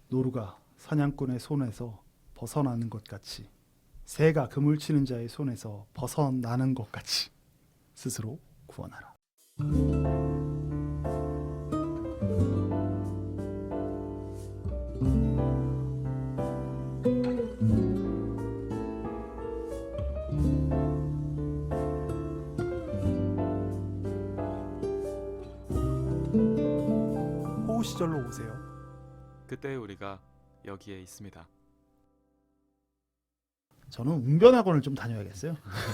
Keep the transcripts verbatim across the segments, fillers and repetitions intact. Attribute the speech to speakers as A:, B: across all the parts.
A: 노루가 사냥꾼의 손에서 벗어나는 것 같이 새가 그물 치는 자의 손에서 벗어나는 것 같이 스스로 구원하라. 호우 시절로 오세요.
B: 그때 우리가 여기에 있습니다.
A: 저는 웅변학원을 좀 다녀야겠어요.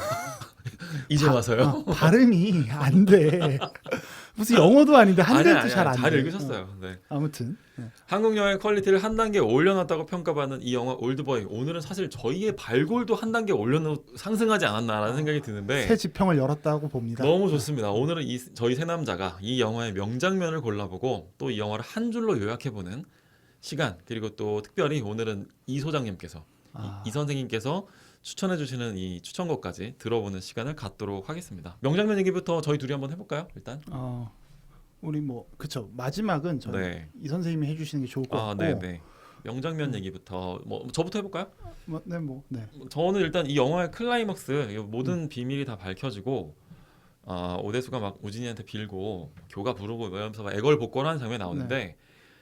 B: 이제
A: 바-
B: 와서요?
A: 아, 발음이 안 돼. 무슨 영어도 아닌데 한글도 잘 안 돼.
B: 잘 읽으셨어요. 네.
A: 아무튼 네.
B: 한국 영화의 퀄리티를 한 단계 올려놨다고 평가받는 이 영화 올드보이. 오늘은 사실 저희의 발골도 한 단계 올려놓 상승하지 않았나라는 생각이 드는데
A: 새 지평을 열었다고 봅니다.
B: 너무 좋습니다. 오늘은 이, 저희 세 남자가 이 영화의 명장면을 골라보고 또 이 영화를 한 줄로 요약해보는 시간, 그리고 또 특별히 오늘은 이 소장님께서
A: 아.
B: 이, 이 선생님께서 추천해주시는 이 추천곡까지 들어보는 시간을 갖도록 하겠습니다. 명장면 얘기부터 저희 둘이 한번 해볼까요? 일단.
A: 어, 우리 뭐 그쵸, 마지막은 저희
B: 네.
A: 이 선생님이 해주시는 게 좋을 것
B: 아,
A: 같고.
B: 네네. 명장면 얘기부터 뭐 저부터 해볼까요?
A: 뭐, 네, 뭐, 네.
B: 저는 일단 이 영화의 클라이막스 모든 음. 비밀이 다 밝혀지고 어, 오대수가 막 우진이한테 빌고 교가 부르고 이러면서 막 애걸복걸하는 장면이 나오는데 네.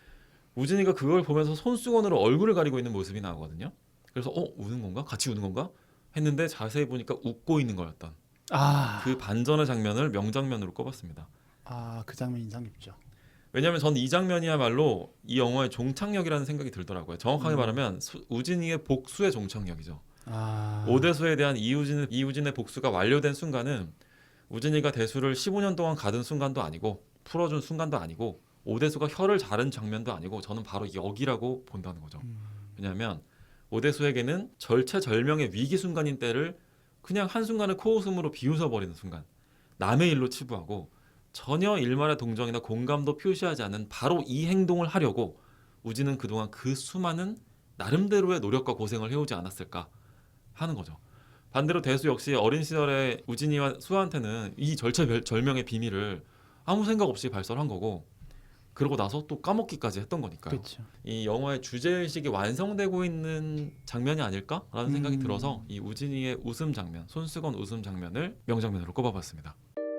B: 우진이가 그걸 보면서 손수건으로 얼굴을 가리고 있는 모습이 나오거든요. 그래서 어 우는 건가? 같이 우는 건가? 했는데 자세히 보니까 웃고 있는 거였던
A: 아,
B: 그 반전의 장면을 명장면으로 꼽았습니다.
A: 아, 그 장면 인상 깊죠.
B: 왜냐하면 저는 이 장면이야말로 이 영화의 종착역이라는 생각이 들더라고요. 정확하게 음. 말하면 수, 우진이의 복수의 종착역이죠.
A: 아,
B: 오대수에 대한 이우진, 이우진의 복수가 완료된 순간은 우진이가 대수를 십오 년 동안 가둔 순간도 아니고 풀어준 순간도 아니고 오대수가 혀를 자른 장면도 아니고 저는 바로 여기라고 본다는 거죠.
A: 음.
B: 왜냐하면 오대수에게는 절체절명의 위기 순간인 때를 그냥 한순간에 코웃음으로 비웃어버리는 순간, 남의 일로 치부하고 전혀 일말의 동정이나 공감도 표시하지 않는 바로 이 행동을 하려고 우진은 그동안 그 수많은 나름대로의 노력과 고생을 해오지 않았을까 하는 거죠. 반대로 대수 역시 어린 시절에 우진이와 수아한테는 이 절체절명의 비밀을 아무 생각 없이 발설한 거고 그러고 나서 또 까먹기까지 했던 거니까요.
A: 그쵸.
B: 이 영화의 주제의식이 완성되고 있는 장면이 아닐까라는 생각이
A: 음.
B: 들어서 이 우진이의 웃음 장면, 손수건 웃음 장면을 명장면으로 꼽아봤습니다.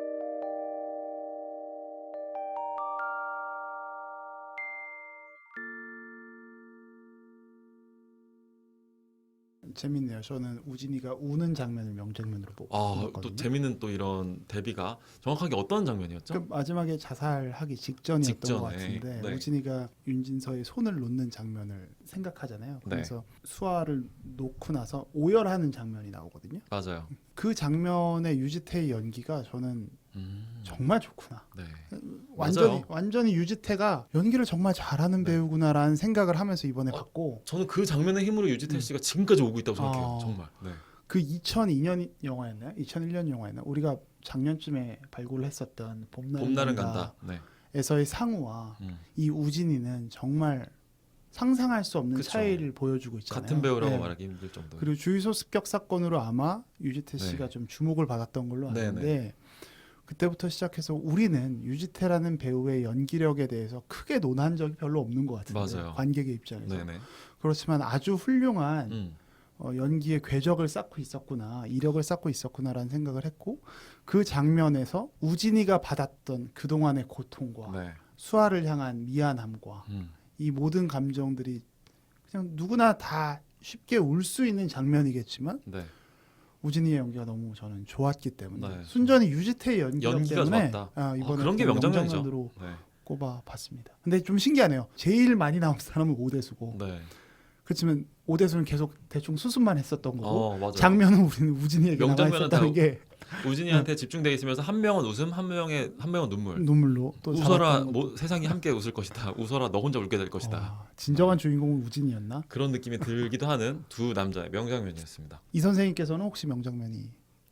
A: 재밌네요. 저는 우진이가 우는 장면을 명장면으로 보고
B: 아,
A: 봤거든요.
B: 또 재밌는 또 이런 대비가 정확하게 어떤 장면이었죠?
A: 그 마지막에 자살하기 직전이었던
B: 직전에,
A: 것 같은데
B: 네.
A: 우진이가 윤진서의 손을 놓는 장면을 생각하잖아요. 그래서 네. 수아를 놓고 나서 오열하는 장면이 나오거든요.
B: 맞아요.
A: 그 장면의 유지태의 연기가 저는
B: 음,
A: 정말 좋구나.
B: 네.
A: 완전히
B: 맞아요.
A: 완전히 유지태가 연기를 정말 잘하는
B: 네.
A: 배우구나라는 생각을 하면서 이번에
B: 어,
A: 봤고
B: 저는 그 장면의 힘으로 유지태 씨가 지금까지 오고 있다고 생각해요.
A: 아.
B: 정말. 네.
A: 그 이천이 년 영화였나요? 이천일 년 영화였나? 우리가 작년쯤에 발굴을 했었던 봄날은,
B: 봄날은 간다. 네.
A: 에서의 상우와
B: 음.
A: 이 우진이는 정말 상상할 수 없는
B: 그쵸.
A: 차이를 보여주고 있잖아요.
B: 같은 배우라고
A: 네.
B: 말하기 힘들 정도.
A: 그리고 주유소 습격 사건으로 아마 유지태 씨가
B: 네.
A: 좀 주목을 받았던 걸로 아는데
B: 네네.
A: 그때부터 시작해서 우리는 유지태라는 배우의 연기력에 대해서 크게 논한 적이 별로 없는 것 같은데
B: 맞아요.
A: 관객의 입장에서
B: 네네.
A: 그렇지만 아주 훌륭한
B: 음.
A: 어, 연기의 궤적을 쌓고 있었구나, 이력을 쌓고 있었구나라는 생각을 했고 그 장면에서 우진이가 받았던 그동안의 고통과
B: 네.
A: 수아를 향한 미안함과
B: 음.
A: 이 모든 감정들이 그냥 누구나 다 쉽게 울 수 있는 장면이겠지만
B: 네.
A: 우진이의 연기가 너무 저는 좋았기 때문에
B: 네,
A: 순전히 유지태의 연기력
B: 연기가
A: 때문에
B: 좋았다.
A: 아, 이번에
B: 아, 그런 게 명장면이죠.
A: 명장면으로
B: 네.
A: 꼽아봤습니다. 근데 좀 신기하네요. 제일 많이 나온 사람은 오대수고
B: 네.
A: 그렇지만 오대수는 계속 대충 수습만 했었던 거고
B: 어, 맞아요.
A: 장면은 우리는 우진이에게 남아
B: 명장면은
A: 있었다는
B: 다
A: 게
B: 우진이한테 집중돼 있으면서 한 명은 웃음, 한 명의 한 명은 눈물.
A: 눈물로 또
B: 웃어라,
A: 잡았던
B: 뭐, 세상이 함께 웃을 것이다. 웃어라, 너 혼자 울게 될 것이다.
A: 아, 진정한 주인공은 우진이었나?
B: 그런 느낌이 들기도 하는 두 남자의 명장면이었습니다.
A: 이 선생님께서는 혹시 명장면이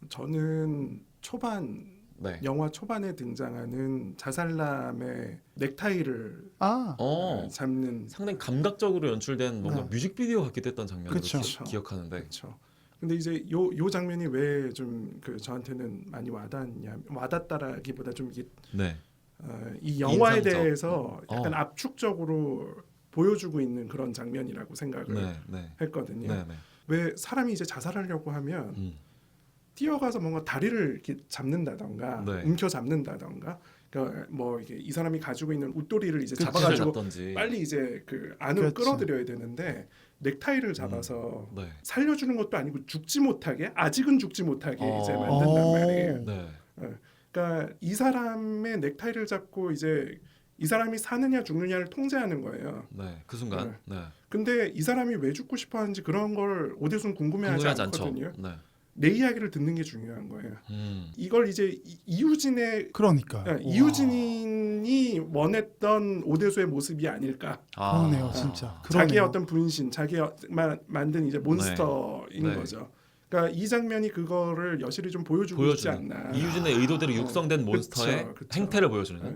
C: 저는 초반
B: 네.
C: 영화 초반에 등장하는 자살남의 넥타이를
A: 아
B: 어,
C: 잡는
B: 상당히 감각적으로 연출된 뭔가
A: 네.
B: 뮤직비디오 같기도 했던 장면으로
A: 그쵸.
B: 기, 기억하는데.
C: 그렇죠. 근데 이제 요 요 장면이 왜 좀 그 저한테는 많이 와닿냐 와닿다라기보다 좀 이게
B: 네.
C: 어, 이 영화에
B: 인상적.
C: 대해서 약간
B: 어.
C: 압축적으로 보여주고 있는 그런 장면이라고 생각을
B: 네, 네,
C: 했거든요.
B: 네, 네.
C: 왜 사람이 이제 자살하려고 하면
B: 음.
C: 뛰어가서 뭔가 다리를 이렇게 잡는다던가
B: 네.
C: 움켜 잡는다던가 그러니까 뭐 이게 이 사람이 가지고 있는 웃도리를 이제
B: 그치를
C: 잡아가지고
B: 잡던지.
C: 빨리 이제 그 안으로
A: 그렇죠.
C: 끌어들여야 되는데 넥타이를 잡아서
B: 네.
C: 살려주는 것도 아니고 죽지 못하게 아직은 죽지 못하게
B: 어.
C: 이제 만든단
A: 어.
C: 말이에요.
B: 네.
C: 그러니까 이 사람의 넥타이를 잡고 이제 이 사람이 사느냐 죽느냐를 통제하는 거예요.
B: 네. 그 순간. 네.
C: 근데 이 사람이 왜 죽고 싶어 하는지 그런 걸 오대순 궁금해하지
B: 궁금하지 않죠.
C: 않거든요.
B: 네.
C: 내 이야기를 듣는 게 중요한 거예요.
B: 음.
C: 이걸 이제 이- 이유진의
A: 그러니까요.
C: 아, 이유진이 원했던 오대수의 모습이 아닐까.
B: 아.
A: 그러네요, 진짜.
C: 자기의
A: 그러네요.
C: 어떤 분신, 자기가 마- 만든 이제 몬스터인
B: 네.
C: 거죠. 그러니까 이 장면이 그거를 여실히 좀 보여주고 있지
B: 보여주는
C: 않나.
B: 이유진의 의도대로
C: 어,
B: 육성된 몬스터의
C: 그쵸, 그쵸.
B: 행태를 보여주는.
C: 네.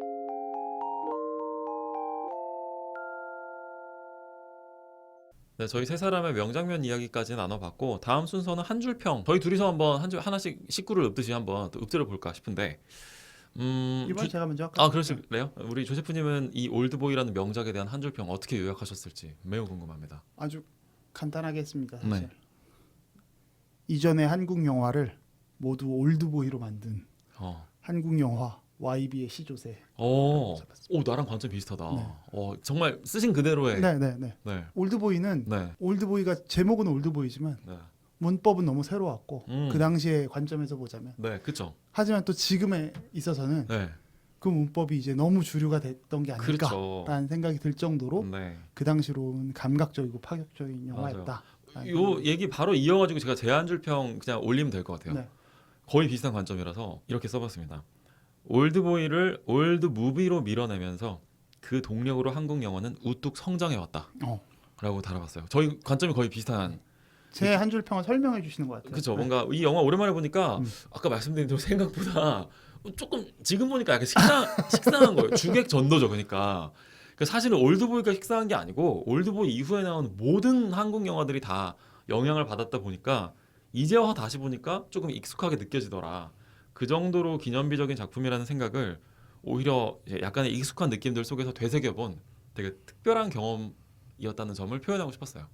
B: 네, 저희 세 사람의 명장면 이야기까지 나눠봤고 다음 순서는 한 줄 평. 저희 둘이서 한번 한 줄 하나씩 식구를 읊듯이 한번 또 읊조려 볼까 싶은데. 음,
A: 이번
B: 주-
A: 제가 먼저 할까요?
B: 아 그러실래요? 우리 조세프님은 이 올드보이라는 명작에 대한 한 줄 평 어떻게 요약하셨을지 매우 궁금합니다.
A: 아주 간단하게 했습니다. 사실.
B: 네.
A: 이전의 한국 영화를 모두 올드보이로 만든
B: 어,
A: 한국 영화 와이비의 시조새.
B: 오, 오 나랑 관점 비슷하다.
A: 네.
B: 어, 정말 쓰신 그대로의. 네.
A: 네, 네, 네.
B: 네.
A: 올드보이는
B: 네.
A: 올드보이가 제목은 올드보이지만
B: 네.
A: 문법은 너무 새로웠고
B: 음.
A: 그 당시의 관점에서 보자면
B: 네, 그렇죠.
A: 하지만 또 지금에 있어서는
B: 네,
A: 그 문법이 이제 너무 주류가 됐던 게
B: 그렇죠.
A: 아닐까라는 생각이 들 정도로
B: 네.
A: 그 당시로는 감각적이고 파격적인 영화였다.
B: 요 얘기 바로 이어가지고 제가 제 한 줄 평 그냥 올리면 될 것 같아요.
A: 네.
B: 거의 비슷한 관점이라서 이렇게 써봤습니다. 올드보이를 올드 무비로 밀어내면서 그 동력으로 한국 영화는 우뚝 성장해왔다.
A: 어.
B: 라고 달아봤어요. 저희 관점이 거의 비슷한.
A: 제 한 줄 평을 설명해 주시는 것 같아요.
B: 그렇죠.
A: 네.
B: 뭔가 이 영화 오랜만에 보니까
A: 음.
B: 아까 말씀드린 대로 생각보다 조금 지금 보니까 약간 식상 식상한 거예요. 주객 전도죠. 그러니까. 그 사실은 올드보이가 식상한 게 아니고 올드보이 이후에 나온 모든 한국 영화들이 다 영향을 받았다 보니까 이제 와 다시 보니까 조금 익숙하게 느껴지더라. 그 정도로 기념비적인 작품이라는 생각을 오히려 이제 약간의 익숙한 느낌들 속에서 되새겨본 되게 특별한 경험이었다는 점을 표현하고 싶었어요.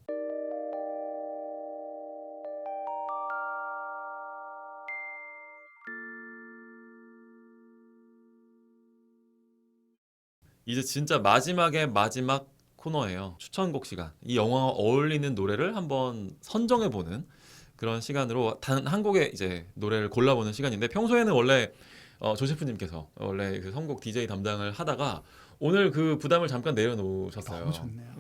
B: 이제 진짜 마지막의 마지막 코너예요. 추천곡 시간. 이 영화와 어울리는 노래를 한번 선정해보는 그런 시간으로 단 한 곡의 이제 노래를 골라보는 시간인데 평소에는 원래 어, 조세프님께서 원래 그 선곡 디제이 담당을 하다가 오늘 그 부담을 잠깐 내려놓으셨어요.
A: 너무 좋네요.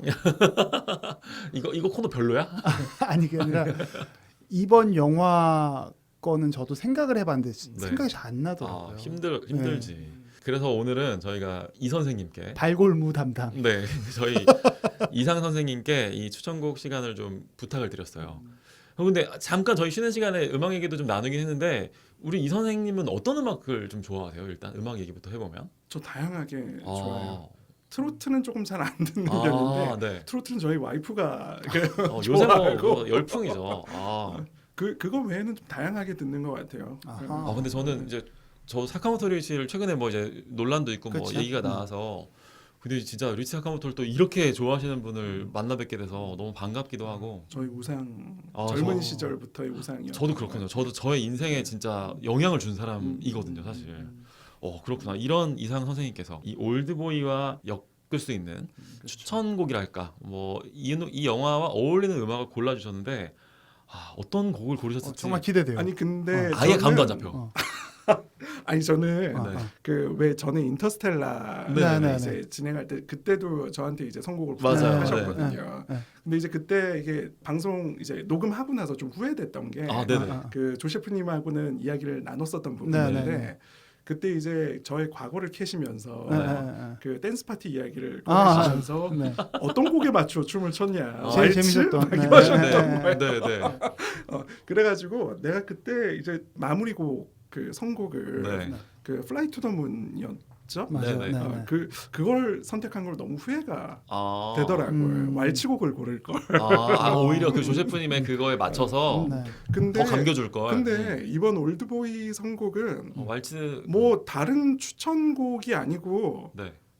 B: 이거 이거 코너 별로야?
A: 아니 그게 아니라 이번 영화 거는 저도 생각을 해봤는데
B: 네.
A: 생각이 잘 안 나더라고요.
B: 아, 힘들 힘들지. 그래서 오늘은 저희가 이 선생님께
A: 발골무 담당.
B: 네 저희 이상 선생님께 이 추천곡 시간을 좀 부탁을 드렸어요. 어, 근데 잠깐 저희 쉬는 시간에 음악 얘기도 좀 나누긴 했는데 우리 이 선생님은 어떤 음악을 좀 좋아하세요? 일단 음악 얘기부터 해보면.
C: 저 다양하게 좋아요.
B: 아,
C: 트로트는 조금 잘 안 듣는
B: 아,
C: 편인데
B: 네.
C: 트로트는 저희 와이프가 그-
B: 어, 요새 뭐,
C: 좋아하고.
B: 뭐 열풍이죠. 아,
C: 그 그거 외에는 좀 다양하게 듣는 것 같아요.
A: 아하.
B: 아 근데 저는 이제 저 사카모토 리치를 최근에 뭐 이제 논란도 있고 뭐
A: 그쵸.
B: 얘기가
A: 음.
B: 나와서 근데 진짜 리치 사카모토를 또 이렇게 좋아하시는 분을 만나 뵙게 돼서 너무 반갑기도 하고
C: 저희 우상
B: 아,
C: 젊은
B: 저-
C: 시절부터의 우상이요.
B: 저도 그렇군요. 저도 저의 인생에 진짜 영향을 준 사람이거든요, 사실. 어 그렇구나. 이런 이상 선생님께서 이 올드보이와 엮을 수 있는 추천곡이랄까, 뭐이 이 영화와 어울리는 음악을 골라주셨는데 아, 어떤 곡을
A: 어,
B: 고르셨을지
A: 정말 기대돼요.
C: 아니 근데
A: 어.
B: 아예
C: 저는-
B: 감도 안 잡혀.
A: 어.
C: 아니 저는
A: 어,
B: 네.
A: 어.
C: 그 왜 저는 인터스텔라
B: 네,
A: 네,
C: 이제
A: 네.
C: 진행할 때 그때도 저한테 이제 선곡을
B: 맞아요.
C: 부탁하셨거든요.
A: 네, 네.
C: 근데 이제 그때 이게 방송 이제 녹음하고 나서 좀 후회됐던 게
B: 아, 네네.
A: 아, 아.
C: 그 조셰프님하고는 이야기를 나눴었던
A: 네,
C: 부분인데
A: 네, 네.
C: 그때 이제 저의 과거를 캐시면서
A: 네,
B: 네.
A: 네, 네.
C: 그 댄스 파티 이야기를
A: 아,
C: 꺼내시면서
A: 네.
C: 어떤 곡에 맞춰 춤을 췄냐
B: 아,
A: 제일
C: 왈츠?
A: 재밌었던.
C: 막
A: 네,
C: 이거 하셨던
A: 네,
C: 거예요.
B: 네, 네.
C: 어, 그래가지고 내가 그때 이제 마무리곡 그 선곡을
B: 네.
C: 그 플라이 투 더 문이었죠.
A: 맞아요.
B: 네,
A: 네,
B: 네.
C: 어,
A: 네.
C: 그 그걸 선택한 걸 너무 후회가
B: 아,
C: 되더라고요.
A: 음.
C: 왈츠곡을 고를 걸.
B: 아, 아, 오히려 그 조세프님의 그거에 맞춰서
A: 네.
C: 근데
B: 더 감겨줄 걸.
C: 근데 이번 올드보이 선곡은
B: 어, 왈츠
C: 뭐 다른 추천곡이 아니고
B: 네.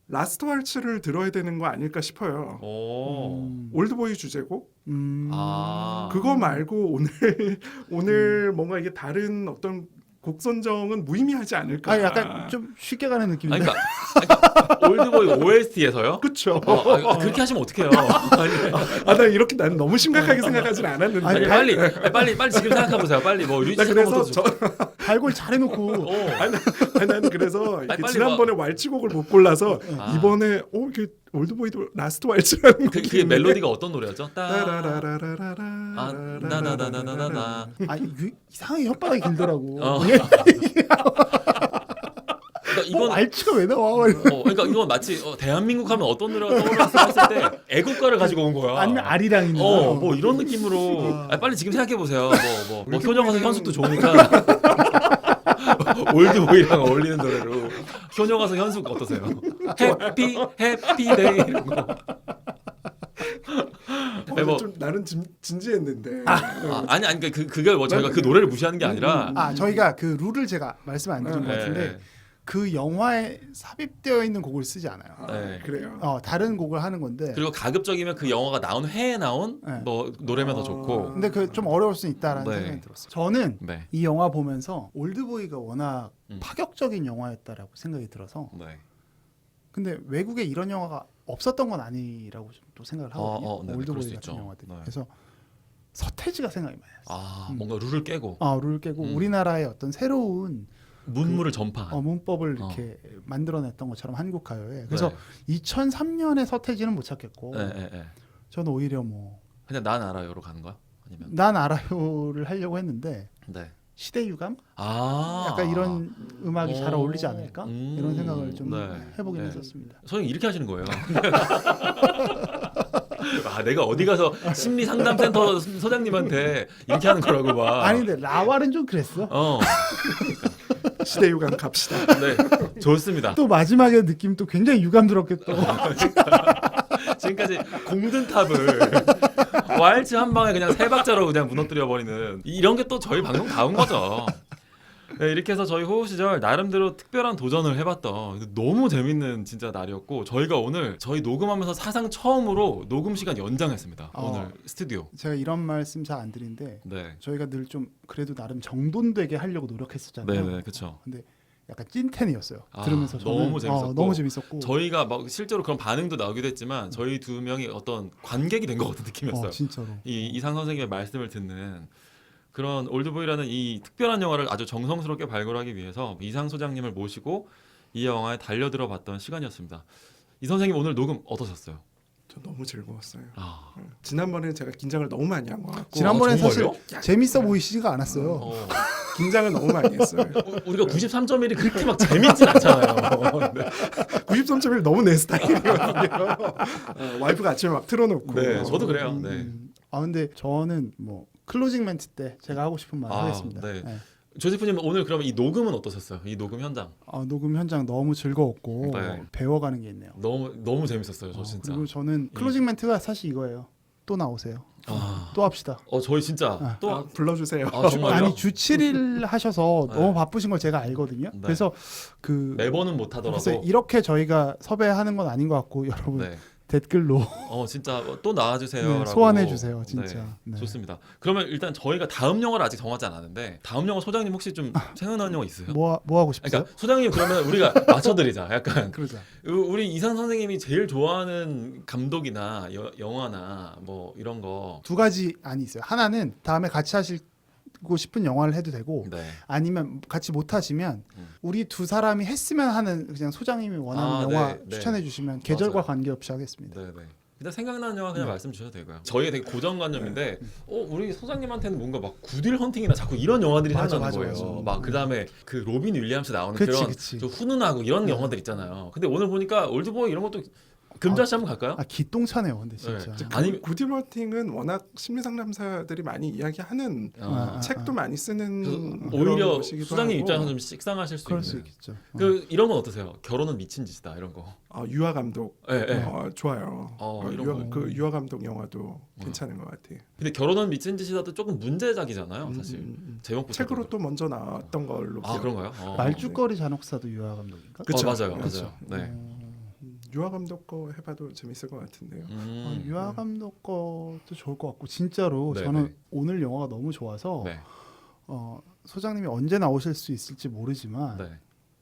C: 라스트 왈츠를 들어야 되는 거 아닐까 싶어요.
B: 오.
A: 음.
C: 올드보이 주제곡
A: 음.
B: 아.
C: 그거 말고 오늘 오늘 뭔가 이게 다른 어떤 곡 선정은 무의미하지 않을까.
A: 아 약간 좀 쉽게 가는
B: 아니,
A: 느낌인데.
B: 그러니까, 그러니까 올드보이 오에스티에서요?
C: 그렇죠.
B: 어, 아니, 그렇게 하시면 어떡해요? 아니,
C: 아 나 이렇게 난 너무 심각하게 생각하진 않았는데.
B: 아니, 빨리 아니, 빨리 빨리 지금 생각해 보세요. 빨리 뭐
C: 나
B: 류지
C: 그래서
B: 저...
C: 저
A: 발골 잘해놓고
B: 어.
C: 아니, 아니 나는 그래서 이렇게
B: 빨리
C: 지난번에 왈츠곡을 못 골라서
B: 아.
C: 이번에 어 이게 올드보이도 라스트 왈츠라는
B: 그,
C: 곡이
B: 그게 멜로디가 어떤 노래였죠? 따
C: 따라라라라라라
B: 아, 나나나나나나.
A: 아 이- 이상하게 혓바닥이 길더라고.
B: 어.
A: 이게
B: 그러니까
A: 이건
B: 이건
A: 알치가 왜 나와?
B: 어, 그러니까 이건 마치 어, 대한민국 하면 어떤 노래가 떠올랐어 했을 때 애국가를 가지고 온 거야.
A: 아니면 아리랑이나.
B: 어, 뭐 이런 느낌으로. 아, 빨리 지금 생각해 보세요. 뭐, 뭐, 뭐 효녀가서 현숙도 좋으니까 올드보이랑 어울리는 노래로 효녀가서 현숙 어떠세요? 해피 해피데이 이런 거.
C: 어,
B: 뭐-
C: 좀 나는 진, 진지했는데
B: 아, 아니 아니 그 그게 뭐 저희가 그 노래를 무시하는 게 아니라.
A: 아 저희가 그 룰을 제가 말씀 안 드린 것
B: 네,
A: 같은데 그 영화에 삽입되어 있는 곡을 쓰지 않아요.
C: 아,
B: 네.
C: 그래요.
A: 어 다른 곡을 하는 건데.
B: 그리고 가급적이면 그 영화가 나온 해에 나온
A: 네.
B: 뭐 노래면 더
C: 어.
B: 좋고.
A: 근데 그 좀 어려울 수 있다라는
B: 네.
A: 생각이 들었어요. 저는
B: 네.
A: 이 영화 보면서 올드보이가 워낙
B: 음.
A: 파격적인 영화였다라고 생각이 들어서.
B: 네.
A: 근데 외국에 이런 영화가 없었던 건 아니라고 좀 또 생각을 하거든요.
B: 어, 어, 네네, 그럴
A: 올드보이
B: 수
A: 같은
B: 있죠.
A: 영화들.
B: 네.
A: 그래서 서태지가 생각이 많이 났어요.
B: 아,
A: 음.
B: 뭔가 룰을 깨고
A: 아, 룰을 깨고
B: 음.
A: 우리나라의 어떤 새로운
B: 문물을 전파한.
A: 어, 문법을
B: 어.
A: 이렇게 만들어냈던 것처럼 한국 가요에. 그래서
B: 네.
A: 이천삼 년에 서태지는 못 찾겠고
B: 네, 네, 네.
A: 저는 오히려 뭐
B: 그냥 난 알아요로 가는 거야? 아니면
A: 난 알아요를 하려고 했는데
B: 네.
A: 시대유감?
B: 아,
A: 약간 이런 음악이 잘
B: 오.
A: 어울리지 않을까?
B: 음.
A: 이런 생각을 좀
B: 네.
A: 해보긴
B: 네.
A: 했었습니다.
B: 선생님 이렇게 하시는 거예요. 아, 내가 어디 가서 심리 상담센터 소장님한테 이렇게 하는 거라고 봐.
A: 아니 근데 라왈은 좀 그랬어.
B: 어,
C: 시대 유감 갑시다.
B: 네, 좋습니다.
A: 또 마지막에 느낌 또 굉장히 유감스럽게 또
B: 지금까지 공든 탑을 왈츠 한 방에 그냥 세 박자로 그냥 무너뜨려 버리는 이런 게 또 저희 방송 다운 거죠. 네, 이렇게 해서 저희 호흡 시절 나름대로 특별한 도전을 해봤던 너무 재밌는 진짜 날이었고 저희가 오늘 저희 녹음하면서 사상 처음으로 녹음 시간 연장했습니다.
A: 어.
B: 오늘 스튜디오.
A: 제가 이런 말씀 잘 안 드리는데
B: 네,
A: 저희가 늘 좀 그래도 나름 정돈되게 하려고 노력했었잖아요.
B: 네, 네, 그렇죠.
A: 근데 약간 찐텐이었어요.
B: 아,
A: 들으면서 저는
B: 너무 재밌었고.
A: 어, 너무 재밌었고
B: 저희가 막 실제로 그런 반응도 나오기도 했지만 저희 두 명이 어떤 관객이 된 것 같은 느낌이었어요.
A: 어, 진짜로.
B: 이 이상 선생님의 말씀을 듣는 그런 올드보이라는 이 특별한 영화를 아주 정성스럽게 발굴하기 위해서 이상 소장님을 모시고 이 영화에 달려들어 봤던 시간이었습니다. 이 선생님 오늘 녹음 어떠셨어요?
C: 저 너무 즐거웠어요.
B: 아,
C: 지난번에 제가 긴장을 너무 많이 한 것 같고
A: 지난번에
B: 아,
A: 사실
B: 정말요?
A: 재밌어 보이시지가 않았어요.
B: 어,
C: 긴장을 너무 많이 했어요.
B: 우- 우리가 구십삼 점 일이 그렇게 막 재밌진 않잖아요. 네.
C: 구십삼 점 일 너무 내 스타일이거든요. 어, 와이프가 아침에 막 틀어놓고.
B: 네, 저도 그래요.
A: 음,
B: 네.
A: 음. 아 근데 저는 뭐 클로징 멘트 때 제가 하고 싶은 말
B: 아,
A: 하겠습니다.
B: 네.
A: 네.
B: 조세프님 오늘 그러면 이 녹음은 어떠셨어요? 이 녹음 현장
A: 아, 녹음 현장 너무 즐거웠고
B: 네.
A: 배워가는 게 있네요.
B: 너무 너무 재밌었어요. 저
A: 어,
B: 진짜.
A: 그리고 저는 클로징 멘트가 사실 이거예요. 또 나오세요.
B: 아,
A: 또 합시다.
B: 어 저희 진짜
A: 아.
B: 또
C: 아, 불러주세요.
B: 아, 정말요?
A: 아니 주 칠 일 하셔서
B: 네.
A: 너무 바쁘신 걸 제가 알거든요.
B: 네.
A: 그래서 그
B: 매번은 못
A: 글쎄
B: 하더라도
A: 이렇게 저희가 섭외하는 건 아닌 것 같고 여러분
B: 네.
A: 댓글로
B: 어 진짜 또 나와주세요.
A: 네, 소환해 주세요, 진짜. 네.
B: 좋습니다. 그러면 일단 저희가 다음 영화를 아직 정하지 않았는데 다음 영화 소장님 혹시 좀 생각나는 영화 있으세요?
A: 뭐, 뭐 하고 싶으세요?
B: 그러니까 소장님 그러면 우리가 맞춰드리자. 약간
A: 그러자.
B: 우리 이상 선생님이 제일 좋아하는 감독이나 여, 영화나 뭐 이런 거.
A: 두 가지 안이 있어요. 하나는 다음에 같이 하시고 싶은 영화를 해도 되고
B: 네.
A: 아니면 같이 못 하시면
B: 음.
A: 우리 두 사람이 했으면 하는 그냥 소장님이 원하는
B: 아,
A: 영화
B: 네, 네.
A: 추천해 주시면 계절과
B: 맞아요.
A: 관계없이 하겠습니다.
B: 네네. 일단 생각나는 영화 그냥
A: 네.
B: 말씀 주셔도 되고요. 저희의 되게 고정관념인데, 어 우리 소장님한테는 뭔가 막 구딜 헌팅이나 자꾸 이런 영화들이
A: 맞아,
B: 생각나는
A: 맞아,
B: 거예요.
A: 맞아.
B: 막 그다음에 그 로빈 윌리엄스 나오는
A: 그치,
B: 그런
A: 그치.
B: 좀 훈훈하고 이런
A: 네.
B: 영화들 있잖아요. 근데 오늘 보니까 올드보이 이런 것도 금자씨 한번 갈까요?
A: 아 기똥차네요, 근데 진짜.
B: 네.
C: 아니
B: 아니-
C: 구디버팅은 워낙 심리 상담사들이 많이 이야기하는
B: 어.
A: 아,
C: 책도 많이 쓰는
B: 그래서
C: 그런
B: 오히려
C: 곳이기도
B: 소장님
C: 하고.
B: 입장에서 좀 식상하실 수
A: 그럴
B: 있는.
A: 수 있겠죠. 어.
B: 그 이런 건 어떠세요? 결혼은 미친 짓이다 이런 거.
C: 어, 유아 감독
B: 예, 예.
C: 어, 좋아요.
B: 어,
C: 어,
B: 이런
C: 유아,
B: 거.
C: 그 유아 감독 영화도 괜찮은 것 같아요.
B: 근데 결혼은 미친 짓이다도 조금 문제작이잖아요, 사실.
C: 음, 음, 음.
B: 제목부터.
C: 책으로 또 먼저 나왔던 걸로
B: 아
C: 기억.
B: 그런가요? 어.
A: 말죽거리 잔혹사도 유아 감독인가?
C: 그쵸.
B: 어, 맞아요,
C: 그쵸.
B: 맞아요. 네.
A: 어,
C: 유아 감독 거 해봐도 재밌을 것 같은데요.
A: 어,
B: 음.
A: 유아 감독 것도 좋을 것 같고 진짜로
B: 네,
A: 저는
B: 네.
A: 오늘 영화가 너무 좋아서
B: 네.
A: 어, 소장님이 언제 나오실 수 있을지 모르지만
B: 네.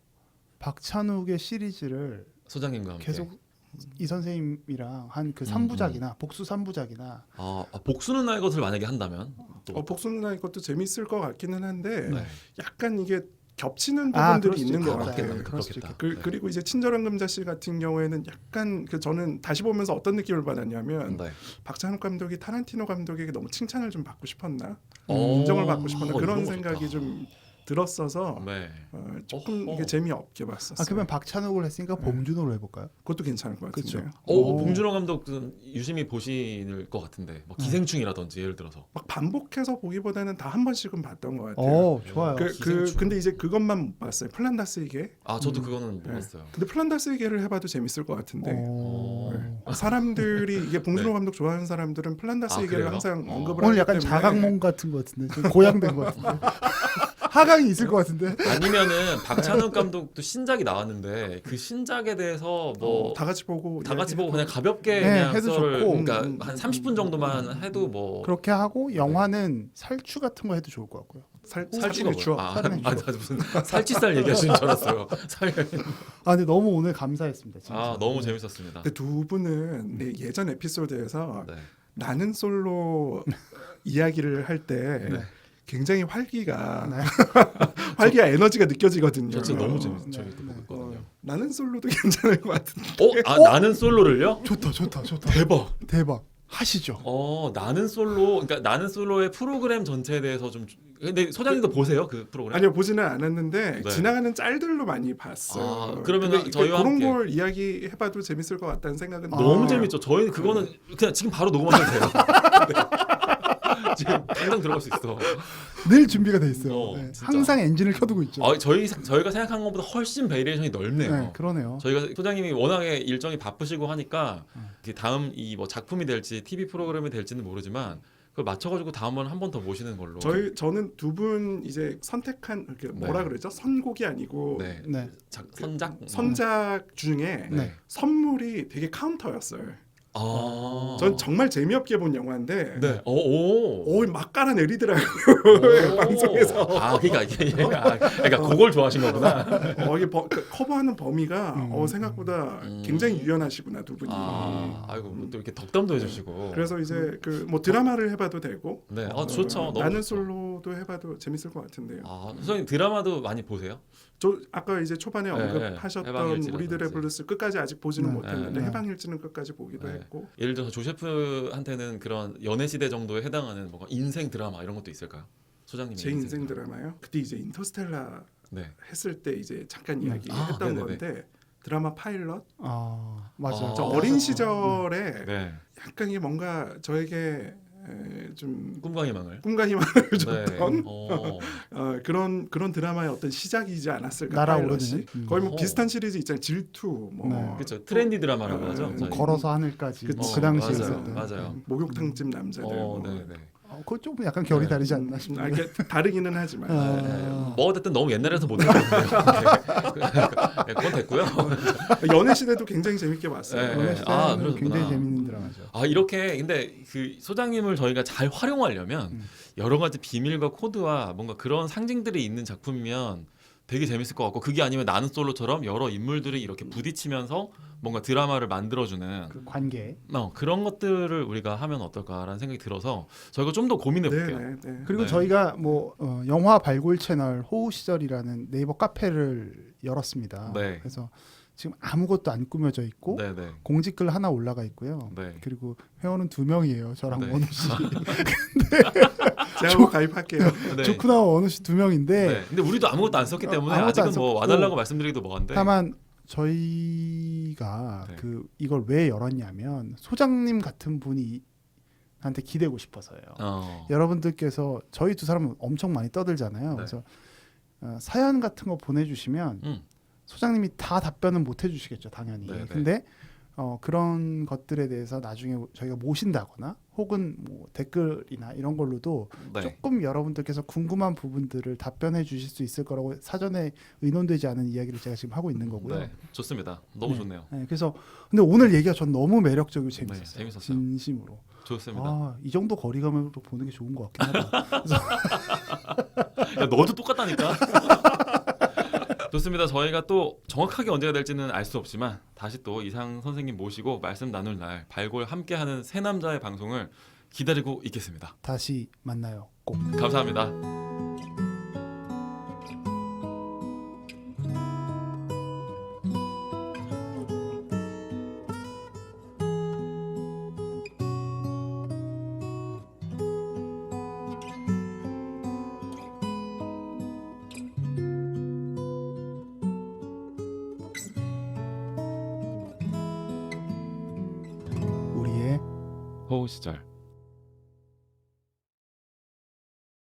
A: 박찬욱의 시리즈를
B: 소장님과 함께.
A: 계속 이 선생님이랑 한 그
B: 음,
A: 삼 부작이나 복수 삼 부작이나
B: 아, 아, 복수는 나의 것을 만약에 한다면 또
C: 어, 복수나 이것도 재밌을 것 같기는 한데
B: 네.
C: 약간 이게 겹치는
A: 아,
C: 부분들이
A: 그럴 수도
C: 있는 것
A: 있겠다.
C: 같아요.
B: 맞겠다.
A: 그럴 수도
B: 그렇겠다.
C: 그,
B: 네.
C: 그리고 이제 친절한 금자씨 같은 경우에는 약간 그 저는 다시 보면서 어떤 느낌을 받았냐면
B: 네.
C: 박찬욱 감독이 타란티노 감독에게 너무 칭찬을 좀 받고 싶었나
B: 어,
C: 인정을 받고 싶었나
B: 어,
C: 그런
B: 이런 거
C: 생각이
B: 좋다.
C: 좀 들었어서
B: 네.
C: 어, 조금
B: 어허.
C: 이게 재미없게 봤었어요.
A: 아 그러면 박찬욱을 했으니까 봉준호로 해볼까요?
C: 그것도 괜찮을 것
A: 그쵸.
C: 같은데요.
B: 오,
A: 오.
B: 봉준호 감독은 유심히 보실 것 같은데 뭐 기생충이라든지 예를 들어서
C: 막 반복해서 보기보다는 다 한 번씩은 봤던 것 같아요.
A: 어 좋아요.
C: 그, 그
B: 기생충.
C: 근데 이제 그것만 못 봤어요. 플란다스의 개.
B: 아 저도
A: 음.
B: 그거는 못
C: 네.
B: 봤어요.
C: 근데 플란다스의 개를 해봐도 재밌을 것 같은데.
A: 어.
C: 네. 사람들이 이게 봉준호
B: 네.
C: 감독 좋아하는 사람들은 플란다스의
B: 아,
C: 개를
B: 그래요?
C: 항상
B: 어.
C: 언급을
A: 오늘
C: 하기
A: 약간
C: 때문에
A: 자각몽 같은 것 같은데 좀 고양된 것 같은데 하강이 있을 것 같은데
B: 아니면은 박찬욱 감독도 신작이 나왔는데 그 신작에 대해서 뭐
C: 어, 다 같이 보고
B: 다 같이
C: 이야기해도-
B: 보고 그냥 가볍게
A: 네,
B: 그냥
A: 해도
B: 썰을
A: 좋고.
B: 그러니까
C: 음,
B: 한
C: 음,
B: 삼십 분
C: 음,
B: 정도만
C: 음,
B: 해도 뭐
A: 그렇게 하고 영화는 살추 같은 거 해도 좋을 것 같고요.
C: 살,
B: 살찌가
C: 살찌는 추억.
B: 뭐야? 아,
A: 살찌는
B: 아, 나 무슨 살치살 얘기하시는 줄 알았어요. 살.
A: 아 근데 너무 오늘 감사했습니다. 진짜.
B: 아 너무
A: 네.
B: 재밌었습니다.
C: 근데 두 분은 네, 예전 에피소드에서
B: 네.
C: 나는 솔로 이야기를 할 때
B: 네.
C: 굉장히 활기가
A: 네.
C: 활기와 에너지가 느껴지거든요.
B: 저 진짜 너무
A: 네,
B: 재밌 재밌게
A: 네.
B: 보고 있거든요.
C: 어, 나는 솔로도 괜찮을 것 같은데.
B: 어? 아 나는 솔로를요?
A: 좋다 좋다 좋다
B: 대박.
A: 대박 하시죠.
B: 어 나는 솔로 그러니까 나는 솔로의 프로그램 전체에 대해서 좀 근데 소장님도 보세요 그 프로그램?
C: 아니요 보지는 않았는데
B: 네.
C: 지나가는 짤들로 많이 봤어요.
B: 아, 그러면은
C: 근데
B: 저희와
C: 그런
B: 함께.
C: 걸 이야기해봐도 재밌을 것 같다는 생각은
A: 아.
B: 너무
C: 들어요.
B: 재밌죠. 저희는 그거는 그냥 지금 바로 녹음하셔도 돼요. 네. 지금 당장 들어갈 수 있어.
A: 늘 준비가 돼 있어요.
B: 어,
A: 네.
B: 진짜.
A: 항상 엔진을 켜두고 있죠.
B: 아, 저희 저희가 생각한 것보다 훨씬 베리에이션이 넓네요.
A: 네, 그러네요.
B: 저희가 소장님이 워낙에 일정이 바쁘시고 하니까
A: 음.
B: 이게 다음 이 뭐 작품이 될지 티비 프로그램이 될지는 모르지만 그걸 맞춰가지고 다음번 한 번 더 모시는 걸로.
C: 저희 저는 두 분 이제 선택한 이렇게 뭐라
B: 네.
C: 그러죠? 선곡이 아니고
B: 네.
A: 네.
B: 작, 선작
C: 선작 중에
A: 네.
C: 선물이 되게 카운터였어요.
B: 아.
C: 전 정말 재미없게 본 영화인데
B: 네. 오. 오.
C: 오, 막 깔아내리더라고요.
B: 오.
C: 방송에서.
B: 아, 그러니까 이게 아, 그러니까 그걸 좋아하신 거구나.
C: 어, 이게 버, 그 커버하는 범위가
A: 음.
C: 어, 생각보다
B: 음.
C: 굉장히 유연하시구나 두 분이.
B: 아, 아이고 뭐또 이렇게 덕담도 해주시고.
C: 그래서 이제 그 뭐 드라마를 해봐도 되고.
B: 네, 아
C: 어,
B: 좋죠. 너무
C: 나는
B: 좋죠.
C: 솔로도 해봐도 재밌을 것 같은데요.
B: 아, 선생님 드라마도 많이 보세요?
C: 저 아까 이제 초반에
B: 네,
C: 언급하셨던
B: 해방일지라든지.
C: 우리들의 블루스 끝까지 아직 보지는
A: 네.
C: 못했는데
A: 네.
C: 해방일지는 끝까지 보기도
B: 네.
C: 했고.
B: 예를 들어서 조셰프한테는 그런 연애 시대 정도에 해당하는 뭔가 인생 드라마 이런 것도 있을까요? 소장님의
C: 제 인생 드라마요. 그때 이제 인터스텔라
B: 네.
C: 했을 때 이제 잠깐
A: 음.
C: 이야기했던
B: 아, 네네네.
C: 건데 드라마 파일럿.
A: 아 맞아요.
B: 아.
C: 저
B: 어.
C: 어린 시절에
B: 네.
C: 약간 이게 뭔가 저에게 에, 좀
B: 꿈과 희망을.
C: 꿈과 희망을
B: 네.
C: 줬던
B: 어.
C: 어, 그런 그런 드라마의 어떤 시작이지 않았을까.
A: 날아오르는.
C: 파일럿이.
A: 음.
C: 거의 뭐
B: 어.
C: 비슷한 시리즈 있잖아요. 질투 뭐
A: 네.
B: 그렇죠. 트렌디 드라마라고
C: 어,
B: 하죠.
C: 음,
B: 저희.
A: 걸어서 하늘까지
C: 그치.
A: 뭐
B: 어,
A: 그 당시에
B: 맞아요.
A: 있었던.
B: 맞아요.
C: 목욕탕집 남자들.
B: 어,
C: 뭐.
B: 네, 네.
A: 어, 그거 조금 약간 결이
B: 네.
A: 다르지 않나
C: 아,
A: 싶은데.
C: 이게 다르기는 하지만.
A: 아.
B: 네. 뭐 어쨌든 너무 옛날에서 못 들었는데요. 네. 그건 됐고요.
C: 연애 시대도 굉장히 재밌게 봤어요.
B: 네.
A: 연애
B: 아,
A: 시대는
B: 그러셨구나.
A: 굉장히 재밌는 드라마죠.
B: 아 이렇게 근데 그 소장님을 저희가 잘 활용하려면
A: 음.
B: 여러 가지 비밀과 코드와 뭔가 그런 상징들이 있는 작품이면 되게 재밌을 것 같고 그게 아니면 나는 솔로처럼 여러 인물들이 이렇게 부딪히면서 뭔가 드라마를 만들어주는
A: 그 관계.
B: 어, 그런 것들을 우리가 하면 어떨까라는 생각이 들어서 저희가 좀 더 고민해
C: 네,
B: 볼게요.
C: 네, 네.
A: 그리고
B: 네.
A: 저희가 뭐 어, 영화 발굴 채널 호우 시절이라는 네이버 카페를 열었습니다.
B: 네.
A: 그래서 지금 아무것도 안 꾸며져 있고
B: 네, 네,
A: 공지글 하나 올라가 있고요.
B: 네.
A: 그리고 회원은 두 명이에요. 저랑
B: 네.
A: 원우 씨.
C: 제가 한번 가입할게요.
B: 네.
A: 조크나와 원우 씨 두 명인데
B: 네. 근데 우리도 아무것도 안 썼기
A: 어,
B: 때문에
A: 아무것도 안
B: 아직은 뭐
A: 썼고.
B: 와달라고 말씀드리기도 뭐한데.
A: 다만 저희가
B: 네.
A: 그 이걸 왜 열었냐면 소장님 같은 분이 한테 기대고 싶어서요.
B: 어.
A: 여러분들께서 저희 두 사람은 엄청 많이 떠들잖아요.
B: 네.
A: 그래서 어, 사연 같은 거 보내주시면
B: 음.
A: 소장님이 다 답변은 못 해주시겠죠, 당연히.
B: 네, 네.
A: 근데 어, 그런 것들에 대해서 나중에 저희가 모신다거나 혹은 뭐 댓글이나 이런 걸로도
B: 네.
A: 조금 여러분들께서 궁금한 부분들을 답변해 주실 수 있을 거라고 사전에 의논되지 않은 이야기를 제가 지금 하고 있는 거고요.
B: 네, 좋습니다. 너무
A: 네.
B: 좋네요.
A: 네, 그래서 근데 오늘 얘기가 전 너무 매력적이고
B: 네,
A: 재밌었어요.
B: 재밌었어요.
A: 진심으로.
B: 좋습니다.
A: 아, 이 정도 거리감으로 보는 게 좋은 것 같긴 하다.
B: 야, 너도 똑같다니까. 좋습니다. 저희가 또 정확하게 언제가 될지는 알 수 없지만 다시 또 이상 선생님 모시고 말씀 나눌 날 발골 함께하는 세 남자의 방송을 기다리고 있겠습니다.
A: 다시 만나요. 꼭.
B: 감사합니다.
A: 우리의
B: 호우 시절